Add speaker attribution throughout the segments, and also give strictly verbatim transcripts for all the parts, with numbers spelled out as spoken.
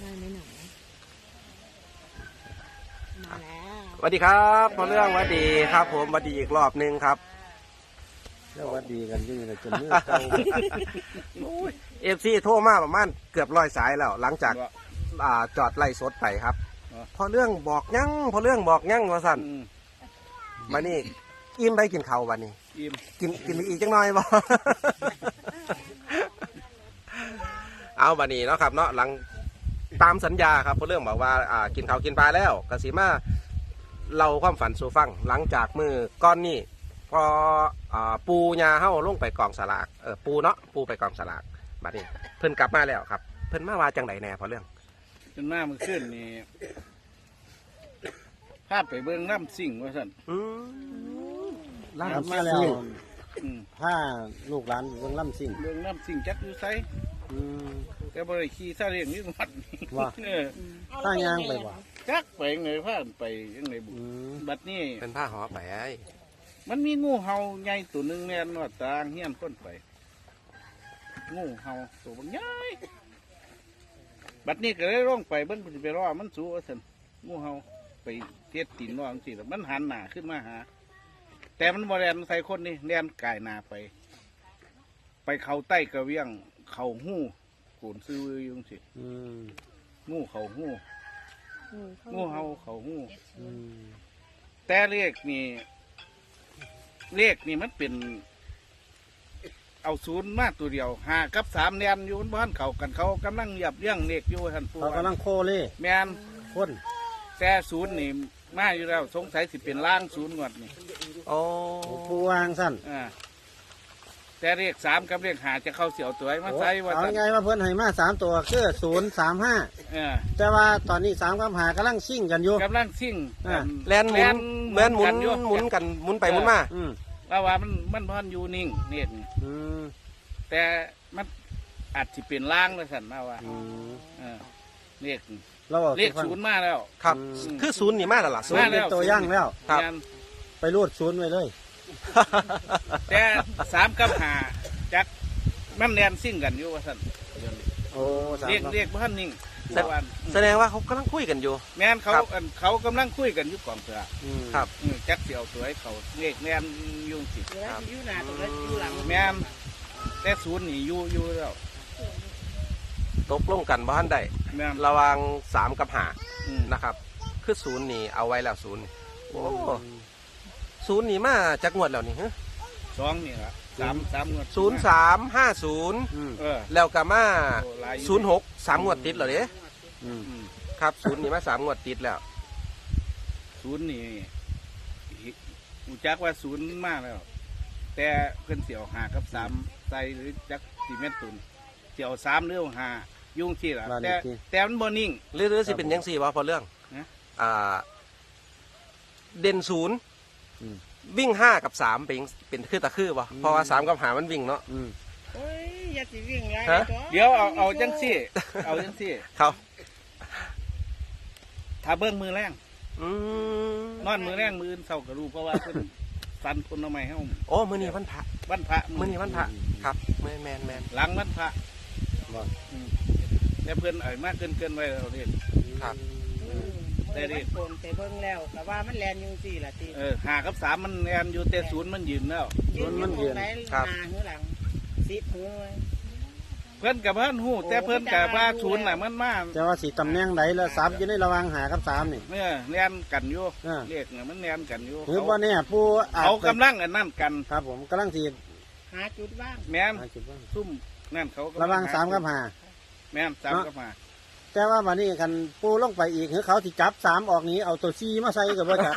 Speaker 1: ได้ไหมหนูมาแล้ว
Speaker 2: สวัสดีครับพอเรื่องสวัสดีครับผมสวัสดีอีกรอบหนึงครับ
Speaker 3: แล้ววัดดีกันอยังไงจนมือเก่า
Speaker 2: เอฟซีโทรมาประมาณเกือบร้อยสายแล้ว หลังจากอ่าจอดไล่สดไปครับ พอเรื่องบอกยั่งพอเรื่องบอกยั่งว่าสั่นมานี่อิ่มไปกินข้าววันนี้
Speaker 4: อิ่ม
Speaker 2: กินกินอีกจังหน่อยบ่ เอาบันนี้เนาะครับเนาะหลังตามสัญญาครับพอเรื่องบอกว่าอ่ากินข้าวกินปลาแล้วกสิมาเราความฝันสู่ฟังหลังจากมือก้อนนี้พออ่าปูยาเฮ้าลงไปกองสลากเออปูเนาะปูไปกองสลากบัดนี้เพิ่นกลับมาแล้วครับ เพิ่นมาว่าจังไดแน่พอเรื่อง
Speaker 4: จนหน้ามันขึ้นนี่พาไปเบิ้งน้ำสิ่งว่าสั่น
Speaker 2: อืม
Speaker 3: ล่ำมาแล้ว
Speaker 4: อืม
Speaker 3: ผ้าลูกหลานเบิ่งล่ำสิ่ง
Speaker 4: เบิ้งน้ำสิ่งจักอยู่ไส
Speaker 3: อืม
Speaker 4: แต่บริขี่ซาเรียงนี่วัดนี่
Speaker 3: ว่า
Speaker 4: เออ
Speaker 3: ผ้ายางไปบ่
Speaker 4: จักไปไงพาไปยังไงบุ
Speaker 3: อืม
Speaker 4: บัดนี้
Speaker 2: เป็นผ้าห่อไปไอ้
Speaker 4: มันมีงูเห่าใหญ่ตัวหนึ่งแน่นว่าตางเฮี้ยนก้นไป งูเห่าตัวบางใหญ่บัดนี้ก็เลยร่องไปเบิ้งสิไปรอมันสู้ว่าสั่นงูเห่าไปเทียดตีนน้องสิแล้วมันหันหน้าขึ้นมาหา แต่มันบริเวณใส่คนนี่แนนกายหนาไป ไปเขาใต้กระเวียง เขาหู้โขนซื้ออยุงสิ
Speaker 3: อืม
Speaker 4: งูเขาหู้งูเห่าเขาหู้
Speaker 3: อืม
Speaker 4: แต่เลขนี่เลขนี่มันเป็น เอาศูนย์มาตัวเดียวหากับสามแนนอยู่บ้านเขากันเขากำลังหยับเลี้ยงเลขอยู่ท่านผู้
Speaker 3: เขากำลังโคเล่
Speaker 4: แมน
Speaker 3: คน
Speaker 4: แต่ศูนย์นี่มาอยู่แล้วสงสัยสิเป็นล่างศูนย์งวดนี่
Speaker 2: โอ้
Speaker 3: ผู้วางสั้น
Speaker 4: อ่าแต่เลขสามกับเลขหาจะเข้าเสียวตัวไอ้มาใส่ว่า
Speaker 3: เอา
Speaker 4: ซั่น
Speaker 3: ไงว่าเพิ่นให้มาสามตัวคือศูนย์สามห้า
Speaker 4: เออ
Speaker 3: แต่ว่าตอนนี้สามกับหากำลังซิ่งกันอยู่
Speaker 4: กำลังซิ่ง
Speaker 3: อ่า
Speaker 2: แลนหมุนเหมือนหมุน
Speaker 4: อยู่
Speaker 2: หมุนกันหมุนไปหมุนมา
Speaker 3: อืม
Speaker 4: แล้วว่ามันมันพอนอยู่นิ่งเนี่ยนี่
Speaker 3: อืม
Speaker 4: แต่มันอาจจะเป็นล่างเลยสันมาว่า
Speaker 3: อืม
Speaker 4: เออเลข
Speaker 3: เราบอก
Speaker 4: เลขศูนย์มาแล้ว
Speaker 2: ครับ
Speaker 3: อืม
Speaker 2: คือศูนย์นี่มาแล้วล่ะศู
Speaker 3: ศู
Speaker 2: น
Speaker 3: น
Speaker 2: ย์
Speaker 3: ย์เป็นตัวย่างแล้ว
Speaker 2: ครับ
Speaker 4: งาน
Speaker 3: ไปรูดศูนย์ไว้เลย
Speaker 4: แต่สามกับหาจักมันแนนซิ่งกันอยู่ว่าสัน
Speaker 3: โอ้สาม
Speaker 4: เรียก
Speaker 3: กับ
Speaker 4: เรียกพันนิ่ง
Speaker 2: แต่
Speaker 4: แต่ว่า
Speaker 2: แสดงว่าเขากำลังคุยกันอยู่
Speaker 4: แม่นเขา
Speaker 2: ครับ
Speaker 4: อันเขากำลังคุยกันอยู่กองเสือ
Speaker 3: อืม
Speaker 2: ครับ
Speaker 4: อืมจักเสียวตัวให้เขาเลขแนนอยุ่งสิ
Speaker 1: เหลืออยู่หน้าตัวแล้วอยู่หลัง
Speaker 4: แม่นแต่ศูนย์นี่อยู่อยู่แล้ว
Speaker 2: ตกลงกันบ้านใด
Speaker 4: แม่น
Speaker 2: ระหวังสามกับหา
Speaker 4: อืม
Speaker 2: นะครับ คือศูนย์นี่เอาไว้แล้วศูนย์โอ้ศูนย์นี่มาจากงวดแล้วนี่ฮะ
Speaker 4: สองนี่ละสามสามงวด
Speaker 2: ศูนย์สามห้าศูนย์
Speaker 3: อืม
Speaker 4: เออ
Speaker 2: แล้วก็มา
Speaker 4: โอ้หลายอยู่
Speaker 2: ศูนย์หกสามงวดติดเหรอเด้
Speaker 3: อืม
Speaker 4: อืม
Speaker 2: ครับศูนย์นี่มาสามงวดติดแล้ว
Speaker 4: ศูนย์นี่อูจักว่าศูนย์มากแล้ว แต่เพิ่นเสียวหากับสามใส่หรือจักสี่เมตรตุนเสียวสามหรือหายุ่งที่ละ
Speaker 3: บ้านเล
Speaker 4: แต่
Speaker 3: ขที่
Speaker 4: แต่มันบ่นิ่ง
Speaker 2: หรือหรือสิเป็นยังสี่วะพอเรื่อง
Speaker 4: นะ
Speaker 2: อ่า เด่นศูนย์
Speaker 3: อืม
Speaker 2: วิ่งห้ากับสามเป็นเป็นคือตะคือวะ
Speaker 3: อืม
Speaker 2: เพราะว่าสามกับหามันวิ่งเนาะ
Speaker 3: อืม
Speaker 1: โอ้ยอย่าสิวิ่งไร
Speaker 2: ฮะ
Speaker 4: เดี๋ยวเอาเอาจังซี่ เอาจังซี่
Speaker 2: เขา
Speaker 4: ถ้าเบิ้งมือแรง
Speaker 2: อืม
Speaker 4: นอนมือแรงมืออื่นเศร้ากระดูเพราะว่าเพิ่นฟันคนเอาไม้ให้ผม
Speaker 2: โอ้มือนี้วันพระ
Speaker 4: วันพระ
Speaker 2: มือนี้วันพระครับแมนแมนแมน
Speaker 4: หลังวันพระ
Speaker 3: บ่
Speaker 4: อืมแต่เพื่อนเอ่ยมากเกินเกินไว้เราเรียน
Speaker 2: ครับ
Speaker 4: ได้ดิ
Speaker 1: โกนไปเบิ่งแล้วแต่ว่ามันแลนอยุ่งสี่ละที
Speaker 4: เออหากับสามมันแอนอยู่แต่ศูนย์มันยืนแล้ว
Speaker 1: ยืนอยู่ตรงไหนหน้าหรือหลังสิบหัวไว้
Speaker 4: เพื่อนกับเพื่อนหูแต่เพื่อนกับว่าศูนย์น่ะมันมาก
Speaker 3: แต่ว่าสีตำแหน่งไหนแล้วสามอยู่ในระหว่างหากับสามนี่
Speaker 4: เนี่ยแนนกันอยู่
Speaker 3: อ่า
Speaker 4: เรียกเนี่ยมันแนนกันอยู่
Speaker 3: หรือว่าเนี่ยผู้อาจ
Speaker 4: เขา
Speaker 3: ไป
Speaker 4: กำลังอันนั่นกัน
Speaker 3: ครับผมกำลังสี
Speaker 1: หาจุดว่าง
Speaker 4: แมน
Speaker 3: หาจุดว่าง
Speaker 4: ซุ่มนั่นเขากำลั
Speaker 3: ระหว่างสามกับหา
Speaker 4: แมนสามกับมา
Speaker 3: แต่ว่าวันนี้กันปูลงไปอีกคือเขาที่จับสามออกนี้เอาตัวซีมาใส่กับว่าจับ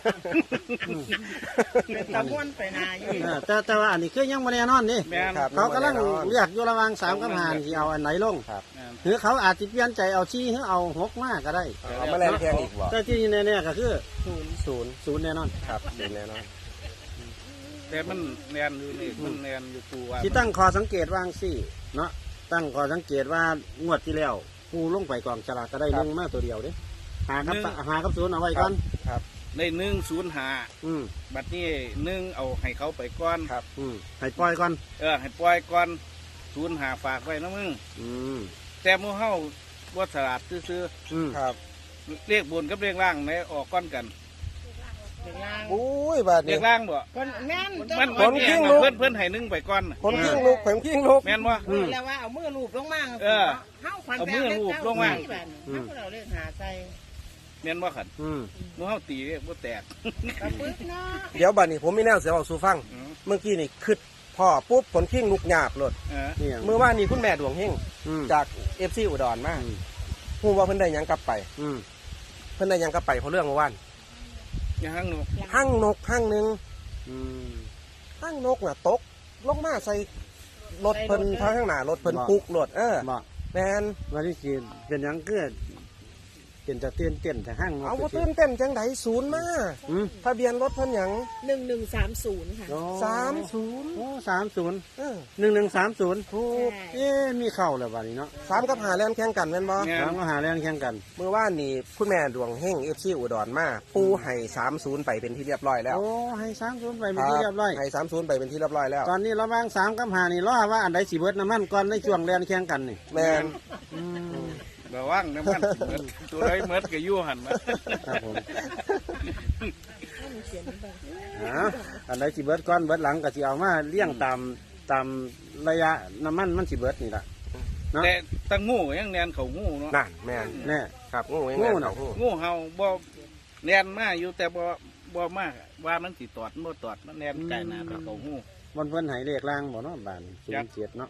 Speaker 1: เป็นตะม้วนไปนาอยู่
Speaker 3: อ่าแต่แต่ว่าอันนี้คือยังไม่แน่นอนนี่
Speaker 4: แมน
Speaker 2: ครับ
Speaker 3: เขากำลังเลือกอยู่ระหว่างสามกับหาที่เอาอันไหนลง
Speaker 4: แม่น
Speaker 3: หรือเขาอาจจะเปลี่ยนใจเอาซีหรือเอาหกมากก็ได้
Speaker 2: เอามาแลนแทงอีกวะ
Speaker 3: แต่ที่แน่ๆก็คือ
Speaker 1: ศูนย์
Speaker 3: ศูนย์ศูนย์แน่นอน
Speaker 2: ครับศูนย์แน่นอน
Speaker 4: แต่มันแนนอยู่นี่มันแนนอยู่กูว่า
Speaker 3: ที่ตั้งคอสังเกตว่างสี่เนาะตั้งคอสังเกตว่างวดที่แล้วปูลงไปกองฉลากก็ได้ลงมาตัวเดียวเด้หากับหากับศูนย์เอาไว้ก่อน
Speaker 4: ในหนึ่งศูนย์หา
Speaker 3: อืม
Speaker 4: บัดนี้หนึ่งเอาให้เขาไปก้อน
Speaker 2: ครับ
Speaker 3: อืมให้ปล่อยก่อน
Speaker 4: เออให้ปล่อยก่อนศูนย์หาฝากไว้นะมึง
Speaker 3: อืม
Speaker 4: แต่หมูเฮาว่าสลัดซื้อ
Speaker 3: อืม
Speaker 2: ครับ
Speaker 4: ๆเรียกบนกับเรียกล่างในออกก้อนกัน
Speaker 1: เด็กล่าง
Speaker 2: โอ้ยบาด
Speaker 4: เรี
Speaker 2: นี้
Speaker 4: ยกล่างบ่
Speaker 1: คนแม่น
Speaker 4: มัน
Speaker 2: ผ
Speaker 4: มัน
Speaker 2: ม
Speaker 4: เอ
Speaker 2: กิ้
Speaker 4: ง
Speaker 2: ง
Speaker 4: อะ
Speaker 2: ลูก
Speaker 4: เพื่อนเพื่อนให้นึ่งไปก่อน
Speaker 2: ผมกิ้งลูกผมกิ้งลูก
Speaker 4: แม่นบ่
Speaker 1: อืมแล้วว่าเอามือลูบลงมา
Speaker 4: เออ
Speaker 1: เฮาขวัญ
Speaker 4: เอามือลูบลงมา
Speaker 1: เฮาก็เราเล่นหาใจ
Speaker 4: แม่นบ่ขัน
Speaker 3: อืม
Speaker 4: หมูเฮาตีเรียกบ่แตก
Speaker 1: กระปึกเนาะ
Speaker 2: เดี๋ยวบาดนี้ผมมีแนวเสียเอาสู่ฟัง
Speaker 4: อืม
Speaker 2: เมื่อกี้นี่คึดพ่อปุ๊บผลกิ้งลูกหยาบหลด
Speaker 4: เออ
Speaker 3: นี่หยัง
Speaker 2: เมื่อว่านนี้คุณแม่ดวงเฮง
Speaker 3: อืม
Speaker 2: จากเอฟซีอุดรมา
Speaker 3: อืม
Speaker 2: พูดว่าเพิ่นได้หยังกลับไป
Speaker 3: อืม
Speaker 2: เพิ่นได้หยังกลับไปเพราะเรื่องเมื่อวาน
Speaker 4: อย่าหั่งหนู
Speaker 2: หั่งนกหั่งหนึ่ง
Speaker 3: อืม
Speaker 2: หั่งนกน่ะตกลงมาใส่รถเพิ่นทางข้างหน้ารถเพิ่น
Speaker 3: บ่
Speaker 2: ปุกรถเออ
Speaker 3: บ่
Speaker 2: แมน
Speaker 3: วันที่สี่เป็นหยังเกิดเป็นจะเต้นเต้นแต่ห้าง
Speaker 2: เอาว่าตื่นเต้นจังไดศูนย์มา
Speaker 3: อืม
Speaker 2: ทะเบียนรถเพิ่นหยัง
Speaker 1: หนึ่งหนึ่งสามศูนย์ค่ะ
Speaker 3: โอ้
Speaker 2: สามศูนย์
Speaker 3: โอ้สามศูนย์
Speaker 2: เออ
Speaker 3: หนึ่งหนึ่งสามศูนย์
Speaker 2: ถูก
Speaker 3: เอ๊ะมีเข้าแล้วบัดนี้เนาะ
Speaker 2: สามกับหาแล่นแข่งกันแม่นบ่
Speaker 4: แม่
Speaker 3: สามก็หาแรงแข่งกัน
Speaker 2: เมื่อวานนี่คุณแม่ดวงเฮงเอฟซีอุดรมาปูให้สามศูนย์ไปเป็นที่เรียบร้อยแล้ว
Speaker 3: โอ้ให้สามศูนย์ไปเป็นที่เรียบร้อย
Speaker 2: ให้สามศูนย์ไปเป็นที่เรียบร้อยแล้ว
Speaker 3: ตอนนี้ระหว่างสามกับหานี่รอว่าอันใดสิเบิดน้ำมันก่อนในช่วงแรงแข่งกันนี่
Speaker 2: แมน
Speaker 3: อืม
Speaker 4: ระวังน้ำมันสิเบิดตัวใดเมิดก็อยู่หั่นนะครับ
Speaker 3: ผมอ่าอันใดสิเบิดก่อนเบิดหลังก็สิเอามาเลี้ยงตามตามระยะน้ำมันมันสิเบิดนี่ล่ะ เนาะ
Speaker 4: แต่ตั้งงูยังแนนเขางูเนาะ
Speaker 2: นั่นแมน
Speaker 3: แน่
Speaker 2: ครับงูยัง
Speaker 3: งู
Speaker 2: ไง
Speaker 3: น่ะ
Speaker 2: เขางู
Speaker 4: งูเห่าบ่แนนมาอยู่แต่บ่บ่มากว่ามันสิตอดมันบ่ตอดมันแนนไกลหน้าไปเขางู
Speaker 3: บนเพิ่นใหายเลขล่างบ่เนาะบานศู
Speaker 4: ครั
Speaker 3: น
Speaker 4: บ
Speaker 3: ย์เจ็ดเนาะ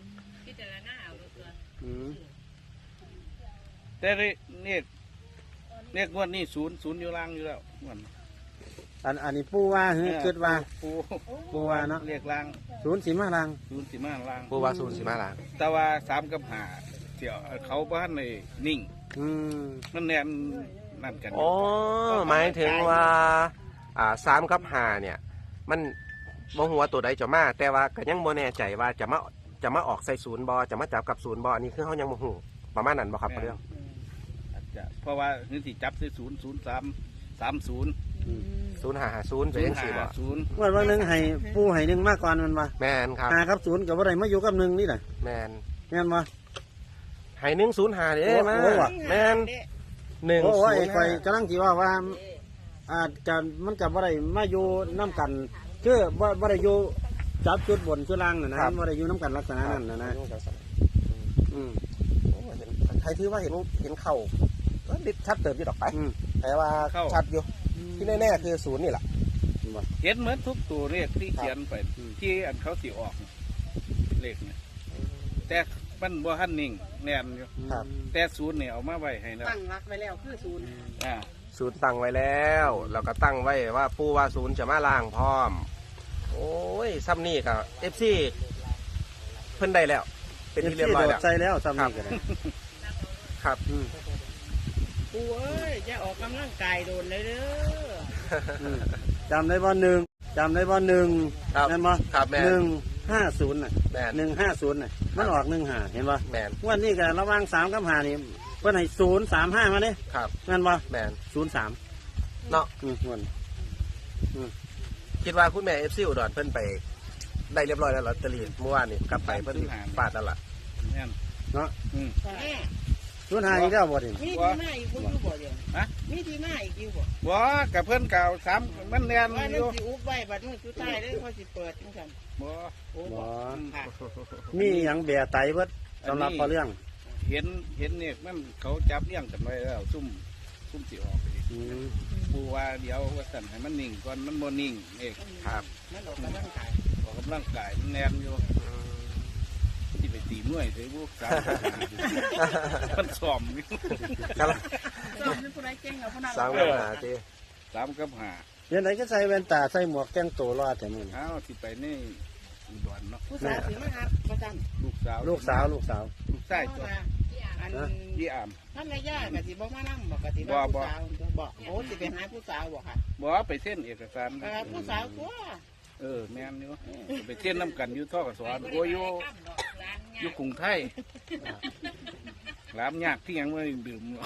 Speaker 3: อืม
Speaker 4: แต่เรเนี่ยเนี่ยงวดนี้ศูนย์ศูนย์อยู่ล่างอยู่แล้วงวด
Speaker 3: อันอันนี้ปูว่าเฮ้ยคิดว่า
Speaker 4: ปู
Speaker 3: ปูว่าเนาะ
Speaker 4: เรียกล่าง
Speaker 3: ศูนย์สีมาล่าง
Speaker 4: ศูนย์สิมาล่าง
Speaker 2: ปูว่าศูนย์สิมาลาง
Speaker 4: แต่ว่าสามกับห้าเดี๋ยวเขาบ้านในนิ่ง
Speaker 3: อืม
Speaker 4: มันแนนนั่นกัน
Speaker 2: อ๋อหมายถึงว่าอ่าสามกับห้าเนี่ย มันบ่หัวาตัวใดจะมา แต่ว่าก็ยังบ่แน่ใจว่าจะมาจะมาออกใส่ศูนย์บอจะมาจับกับศูนย์บออันนี้คือเขายังบ่ฮู้ประมาณนั้นบ่ครับเรื่อง
Speaker 4: อาจจะเพราะว่านี่สิจับใส่ศูนย์ศูนย์สามสามศูนย์
Speaker 2: ศูนย์ห้าห้าศูนย์ไป
Speaker 4: ศูน
Speaker 2: เอง
Speaker 4: ย์
Speaker 2: สิ
Speaker 4: ห้า
Speaker 2: บ่
Speaker 4: ศูนย์
Speaker 3: วันวันหนึ่งให้ปูให้หนึ่งมาก่อนมันมา
Speaker 2: แมนครับ
Speaker 3: หาครับศูนย์กับว่าไรมาอยู่กับหนึ่งนี่แหละ
Speaker 2: แมน
Speaker 3: แม่นมา
Speaker 2: ให้หนึ่งศูนย์ห้าเด้มา
Speaker 3: โอ้โห
Speaker 2: แมนหนึ่ง
Speaker 3: โอ้
Speaker 2: ศู
Speaker 3: ย
Speaker 2: นย์
Speaker 3: ไฟ
Speaker 2: ห้า
Speaker 3: กำลังจีว่าว่าอาจจะมันกับว่าไรมาอยู่น้ำกันคือว่าว่าไรอยู่จับจุดบนจุดล่างน่ะนะว่าไรอยู่น้ำกันลักษณะนั้นนะนะอืม
Speaker 2: โอ้เห็นใครถือว่าเห็นเห็นเข่าก็ดิชัดเติมอยู่ดอกไป
Speaker 3: อืม
Speaker 2: แต่ว่าชัดอยู่ที่แน่ๆคือศูนย์นี่แหละ
Speaker 4: เห็นเหมือนทุกตัวเลขที่เขียนไป
Speaker 3: อืม
Speaker 4: ที่อันเขาสิออกเลขเนี่ยแต่มันบ่ทันนิ่งแน่นอยู่
Speaker 2: ครับ
Speaker 4: แต่ศูนย์เนี่ยเอามาไว้ให้แล้ว
Speaker 1: ตั้งรักไว้แล้วคือศูนย์
Speaker 4: อ่า
Speaker 2: ศูนย์ตั้งไว้แล้วเราก็ตั้งไว้ว่าปูว่าศูนย์จะมาล่างพร้อม โอ้ยซ้ำนี่กับเอฟซีเพิ่นได้แล้ว เป็นที่เรียบร้อยแล้ว
Speaker 3: โดดใจแล้วซ้ำนี่ก็ได้
Speaker 2: ครับ
Speaker 3: อืม
Speaker 1: ปูเอ้ยจะออกกำลังกายโดนเลยเด้อ
Speaker 3: อืมจำได้ว่าหนึ่งจำได้ว่าหนึ่ง
Speaker 2: ครับ
Speaker 3: แม่นบ่
Speaker 2: ครับแมน
Speaker 3: หนึ่งห้าศูนย์น่ะ
Speaker 2: แมน
Speaker 3: หนึ่งห้าศูนย์น่ะมันออกหนึ่งห้าเห็นป่ะ
Speaker 2: แมน
Speaker 3: วันนี้กันระหว่างสามกับห้านี่เพิ่นให้ศูนย์สามห้ามาเนี่ย
Speaker 2: ครับ
Speaker 3: นั่นป่ะ
Speaker 2: แมน
Speaker 3: ศูนย์สาม
Speaker 2: เนาะ
Speaker 3: อืมวัน
Speaker 2: คิดว่าคุณแม่เอฟซีอุดรเพิ่นไปได้เรียบร้อยแล้วลอตเตอรี่เมื่อวานนี่กลับไปเพิ่นปาดนั่นล่ะ
Speaker 4: แน่น
Speaker 3: เนาะ
Speaker 4: อืม
Speaker 1: แม่
Speaker 3: ศูนย์ห้าอีกแล้วบ่ดิ
Speaker 1: มีที่มาอีกคุณอยู่บ่เดียว
Speaker 4: ฮะ
Speaker 1: มีที่มาอีกอยู่บ่
Speaker 4: บ่กับเพื่อนเก่าสามมันแน่น
Speaker 1: ว่า
Speaker 4: อ
Speaker 1: นั่น
Speaker 4: ยู่
Speaker 1: สิอุบไว้บัดนี้สุดท้ายเลยเขาสิเปิดจังซั่น
Speaker 4: บ่
Speaker 1: โอ้
Speaker 3: บ่
Speaker 1: บ่ค่ะ
Speaker 3: มีหยังแบะไตเบิดสำหรับพอเรื่อง
Speaker 4: เห็นเห็นเนี่ยมันเขาจับเลี้ยงกันไว้แล้วซุ่มซุ่มสิออกไปดิ
Speaker 3: อืม
Speaker 4: ปูว่าเดี๋ยวว่าสั่นให้มันนิ่งก่อนมันบ่นิ่งเอก
Speaker 2: ครับ
Speaker 1: มันออกกำลังกาย
Speaker 4: ออกกำลังกายมันแน่นอยู่ที่ไปตีมวยใส่บุกสามมันซ้อมอยู่
Speaker 2: ครับ
Speaker 1: สอนเป็นผู้ใดเก่งเอาผู้นั้น
Speaker 2: สามกับหาจี
Speaker 4: สามกับห้า
Speaker 3: เดี๋ยวไหนก็ใส่แว่นตาใส่หมวกแต่งตัวรอดแต่มึง
Speaker 4: อ้าวที่ไปนี่อุดรเนาะ
Speaker 1: ผู้สาวสิมาหาประจำ
Speaker 4: ลูกสาว
Speaker 3: ลูกสาวลูกสาว
Speaker 4: ลูกชายตัว
Speaker 1: อัน
Speaker 4: ยี่อาม
Speaker 1: ท่านนายย่ากะสิบ่มานั่งบอกกะสิ
Speaker 4: บ่
Speaker 1: ว่า
Speaker 4: บ่
Speaker 1: ผู้สาวบอกโอ้สิไปหาผู้สาวบอกค่ะ
Speaker 4: บ่ไปเส้นเอกสาร
Speaker 1: เออผู้สาวตัว
Speaker 4: เออแม่นอยู่ไปเส้นน้ำกันอยู่ท่อกสอนโอ้ยอยู่อยู่กรุงไทยร้านยากที่ยังไม่ดื่มหรอก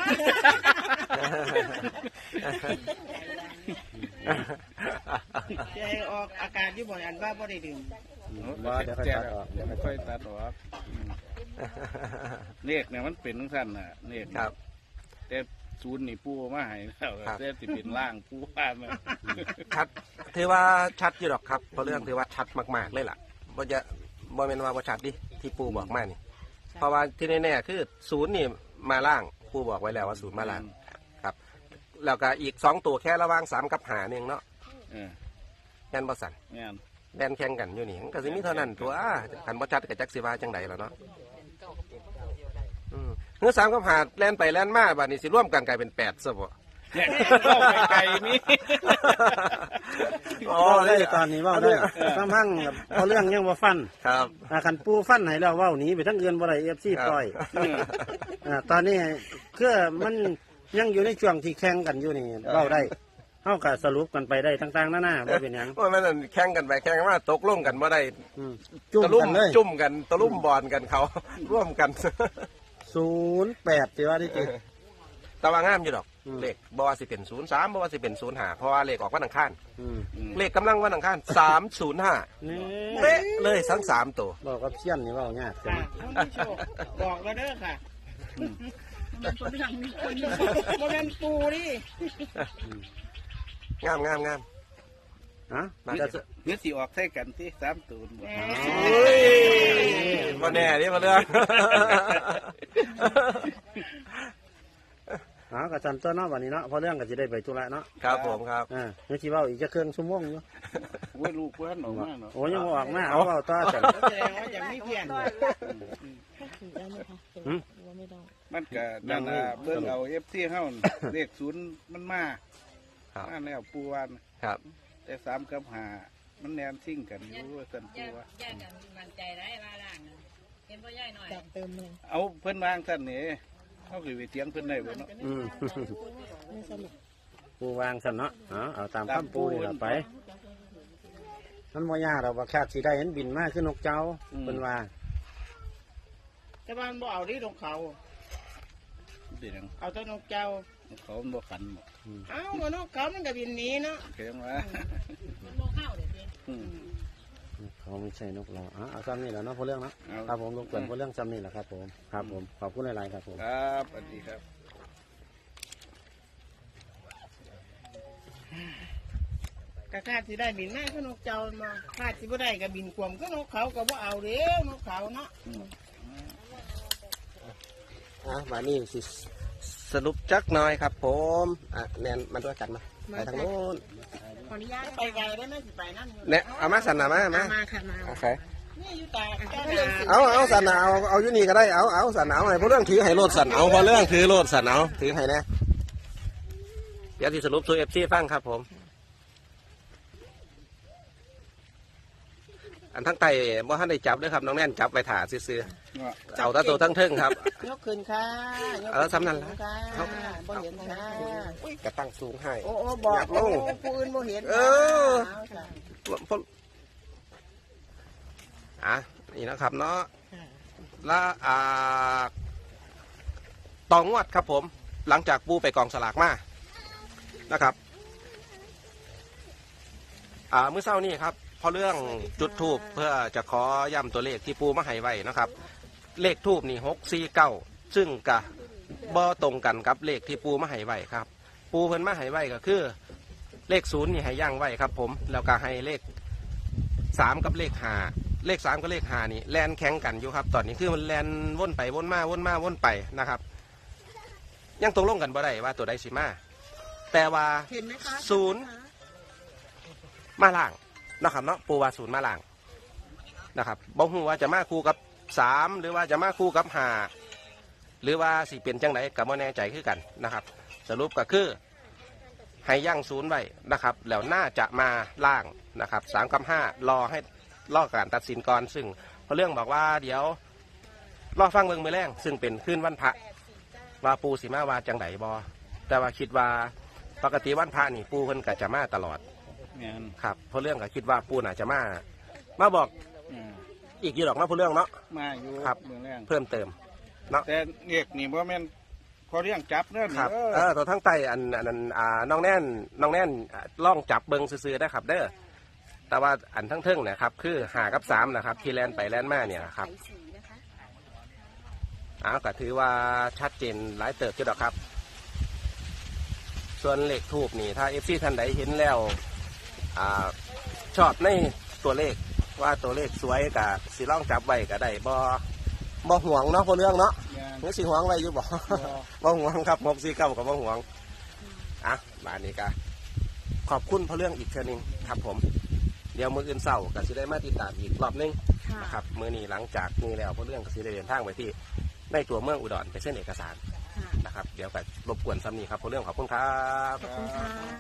Speaker 1: จะให้ออกอากาศอยู่บ่อยอันว่าบ่ได้ดื่ม
Speaker 3: ว่าเดี๋ยวค่อย
Speaker 4: แจ
Speaker 3: ตั
Speaker 4: ก
Speaker 3: ดออก
Speaker 4: เดี๋ยวค่อยตัดออกอืมเลขเนี่ยมันเป็นทั้งสั้นน่ะเลข
Speaker 2: ครับ
Speaker 4: แต่ศูนย์นี่ปูมาให้แล้ว
Speaker 2: ครับ
Speaker 4: แต่สิเป็นล่างปูว่ามา
Speaker 2: ชัดถือว่าชัดอยู่หรอกครับเพราะเรื่องถือว่าชัดมากๆเลยล่ะบ่จะบ่แม่นว่าบ่ชัดดิที่ปูบอกมานี่ เพราะว่าที่แน่ๆคือศูนย์นี่มาล่างปูบอกไว้แล้วว่าศูนย์มาล่างครับ แล้วก็อีกสองตัวแค่ระหว่างสามกับหาหนึ่งเนาะ
Speaker 4: เออ
Speaker 2: แม่นบ่สั่น
Speaker 4: แม่น
Speaker 2: แล่นแข่งกันอยู่นี่มันก็สิมีเท่านั้นตัวคันบ่ชัดก็จักสิว่าจังไดล่ะเนาะอืมเฮือสามกับหาแล่นไปแล่นมาบัดนี้สิร่วมกันกลายเป็นแปดซะบ่
Speaker 4: เนี่ยเข้าไปไกลนี่
Speaker 2: อ๋อ
Speaker 3: เว้า
Speaker 2: ได้
Speaker 3: ได้ตอนนี้เว่าได้ซ้ำพังเอาเรื่องยังว่าฟัน
Speaker 2: ครับ
Speaker 3: อ่าคันปูฟันให้แล้วเว้าหนีไปทั้งเอือนบ่ได้เอฟซี
Speaker 2: ครับ
Speaker 3: ปล่อยอ่าตอนนี้คือมันยังอยู่ในช่วงที่แข่งกันอยู่นี่เว้าได้เฮาก็สรุปกันไปได้ต่างๆนานาบ่เป็นหยัง
Speaker 2: โอ้ยมันนั่นแข่งกันไปแข่งกันมาตกลงกันบ่ได้
Speaker 3: อืมจุ่ม
Speaker 2: ตะลุ่
Speaker 3: กันเลย
Speaker 2: จุ่มกันตะลุ่มบอลกันเขา ร่วมกัน
Speaker 3: ศูนย์แปดสิว่าที่จริง
Speaker 2: แต่ว่างามอยู่ดอก
Speaker 3: อืม
Speaker 2: เลขบ่ว่าสิเป็นศูนย์สามบ่ว่าสิเป็นศูนย์ห้าเพราะว่าเลขออกวันอังคาร
Speaker 3: อืม
Speaker 2: เลขกำลังวันอังคารสามศูนย์ห้า
Speaker 3: นี่
Speaker 2: เป๊ะเลยทั้งสามตัว
Speaker 3: บอกกับเชี่ยนนี่เว้ายากจั
Speaker 1: ค่ะ
Speaker 3: ง
Speaker 1: ท่านผู้ชมบอกแล้วเด้อค่ะมันเป็นอย่างนี้คนมันเป็นปูนี่
Speaker 2: งามงามงาม
Speaker 3: ฮะ
Speaker 2: มา
Speaker 4: เนื้อเนื้อสีออกใส่กันที่สามตูนบ่
Speaker 2: เฮ้ยมาแน่นี่มาเรื่อง
Speaker 3: อ๋อกระจันตัวเนาะวันนี้เนาะเพราะเรื่องก็จะได้ไปธุระเนาะ
Speaker 2: ครับผมครับ
Speaker 3: อ่าเมื่อกี้เว่าอีกจะเครื่องชั่วโมงอยู่
Speaker 4: โอ้ยลูกเพื่อนออกมาเนาะ
Speaker 3: โอ้ยังบ่ออกมาเอาเอาต่อกัน
Speaker 1: แสดงว่าอย่างไม่เพี้ยน
Speaker 5: ได้ไหมคะ
Speaker 3: หืม
Speaker 5: หรือว่าไม่ได้
Speaker 4: มันก็นั่นน่ะเบิ่งเอา เอฟ ซี เฮาน่ะเลขศูนย์มันมา
Speaker 2: ครับ
Speaker 4: มาแล้วปูวัน
Speaker 2: ครับ
Speaker 4: แต่สามกับห้ามันแนมซิ่งกันอยู่ว่าซั่นปูว่า
Speaker 6: ย่ากันมั่นใจได้ว่าล่างนะเห็นพ่อย่ายหน่อย
Speaker 5: จากเติมเลย
Speaker 4: เอาเพิ่นวางซั่นนี่เฮาสิไปเถียงเพิ่นได้บ่เนาะ
Speaker 3: อืม
Speaker 5: ไม่สรุป
Speaker 3: ปูวางสันเนาะเอาเอาตาม
Speaker 4: ตาม
Speaker 3: คำปูนี่
Speaker 4: ปู
Speaker 3: ล่ะไปมันบ่ยากเราว่าคาดสิได้เห็นบินมาขึ้นนกเจ้า
Speaker 4: อืม
Speaker 3: เป็นว่า
Speaker 1: แต่บ้านบ่เอาที่นกเขา
Speaker 4: เป็นหยัง
Speaker 1: เอาแต่นกเจ้า
Speaker 4: เขามันบ่ขันบ่
Speaker 1: เอ้าว่านกเขามันก็บินหนีเนาะ
Speaker 4: เขียนว่า
Speaker 6: มันโมเข้าเดี๋ยวนี้
Speaker 4: อืม
Speaker 3: เขาไม่ใช่นกเราเอาเอาซ้ำนี่แหละเนาะพอเรื่องเนาะ
Speaker 4: เอา
Speaker 3: ครับผมลงเกินพอเรื่องซ้ำนี่แหละครับผมครับผมขอบคุณหลายๆครับผม
Speaker 4: ครับสวัสดีครับ
Speaker 1: กะคาดสิได้บินมาก็นกเจ้ามาคาดสิบ่ได้ก็บินกวมก็นกเขาก็บ่เอาเด้อนกเขาเนาะ
Speaker 2: อ่ะมานี่สิสรุปจักหน่อยครับ ผมอ่ะแนนมาด้วยกันมาไปทางโน้น
Speaker 5: ขออนุญาต
Speaker 1: ไปไกลได้ไหมสิไปนั่นอยู่
Speaker 2: เนี่ยเอามาสันหนามามา
Speaker 5: มาค่ะมา
Speaker 2: โอเค
Speaker 1: นี่อยู่ตาเจ้า
Speaker 2: เอาเอาสันหนาเอาเอาอยู่นี่ก็ได้เอาเอาสันหนาเอาให้พอเรื่องถือให้โลดสันเอาพอเรื่องถือโลดสันเอาถือให้แน่เดี๋ยวที่สรุปสู่เอฟซีฟังครับผม อันทั้งไตบ่ทันได้จับด้วยครับน้องแน่นจับไปถ่าซื้อๆเอาแตาตัวทั้งเทิงครับ
Speaker 1: ยกขึ้นค่ะยก
Speaker 2: เออสำนันละ
Speaker 1: ค่ะบ่เห็นค่ะ
Speaker 2: กระตั้งสูงให้
Speaker 1: โอ้โอ้บอก
Speaker 2: อยากล
Speaker 1: โอ้
Speaker 2: ง
Speaker 1: ผู้อื่นบ่เห็น
Speaker 2: เออ
Speaker 1: าค่ะ
Speaker 2: พออ่ะนี่นะครับเนาะและอ่าตองวดครับผม หลังจากปูไปกองสลากมานะครับ อ่าเมื่อเช้านี้ครับพอเรื่องจุดทูบเพื่อจะขอย้ำตัวเลขที่ปูมาให้ไว้นะครับ เลขทูบนี่หกสี่เก้าซึ่งกะบ่ตรงกันกับเลขที่ปูมาให้ไว้ครับ ปูเพิ่นมาให้ไว้ก็คือ เลขศูนย์นี่ให้ย่างไว้ครับ ผมแล้วก็ให้เลขสามกับเลขห้าเลขสามกับเลขห้านี่แลนแข่งกันอยู่ครับ ตอนนี้คือมันแลนวนไปวนมาวนมาวนไปนะครับ ยังตกลงกันบ่ได้ว่าตัวใดสิมาแต่ว่า
Speaker 1: เห็นไหมคะ
Speaker 2: ศูนย์ มาล่างนะครับเนาะปูว่าศูนย์มาล่างนะครับบ่ฮู้ว่าจะมาคู่กับสามหรือว่าจะมาคู่กับห้าหรือว่าสิเป็นจังไดก็บ่แน่ใจคือกันนะครับ สรุปก็คือให้ย่างศูนย์ไว้นะครับแล้วน่าจะมาล่างนะครับสามกับห้ารอให้รอการตัดสินก่อนซึ่งเพราะเรื่องบอกว่าเดี๋ยวรอฟังเบิ่งมือแรงซึ่งเป็นคืนวันพระว่าปูสิมาว่าจังไดบอแต่ว่าคิดว่าปกติวันพระนี่ปูเพิ่นก็จะมาตลอด
Speaker 4: แม่น
Speaker 2: ครับเพราะเรื่องก็คิดว่าปูน่าจะมา มาบอก
Speaker 4: อืม
Speaker 2: อีกอยู่หรอกนะเพราะเรื่องเนาะ
Speaker 4: มาอยู่
Speaker 2: ครับ
Speaker 4: เมืองแรง
Speaker 2: เพิ่มเติม
Speaker 4: แต่เรียกนี่บ่แม่นพอเรื่องจับเด้อ
Speaker 2: ค
Speaker 4: นี่
Speaker 2: รับ
Speaker 4: เอ
Speaker 2: เอ
Speaker 4: อ
Speaker 2: อตัวทั้งไตอันอันนั้นอ่าน้องแน่นน้องแน่นอ่าล่องจับเบิงซื้อๆได้ครับเด้อแต่ว่าอันทั้งเทิงเนี่ยครับคือหากับสามนะครับที่แลนไปแลนมาเนี่ยนะครับอ้าวก็ถือว่าชัดเจนหลายเติบจุดอกครับ ส่วนเลขทูบนี่ถ้าเอฟซีท่านใดเห็นแล้วอ่าชอบในตัวเลขว่าตัวเลขสวยกับสีล่องจับไว้ก็ได้บ่บ่ห่วงเนาะพอเรื่องเนาะ
Speaker 4: แม่น
Speaker 2: นี่สีห่วงไว้อยู่บ่ บ่ห่วงครับหกสี่เก้ากับบ่ห่วงอ่ะบานนี้ก็ขอบคุณพอเรื่องอีกเทื่อนึงครับผมเดี๋ยวมื้ออื่นเช้าก็สิได้มาติดตามอีกรอบนึง
Speaker 5: ค่ะ
Speaker 2: นะครับมื้อนี้หลังจากนี้แล้วพอเรื่องก็สิได้เดินทางไปที่ในตัวเมืองอุดรไปเส้นเอกสาร
Speaker 5: ค่ะ
Speaker 2: นะครับเดี๋ยวก็รบกวนซ้ำนี้ครับพอเรื่องขอบคุณครับ
Speaker 5: ขอบคุณค่ะ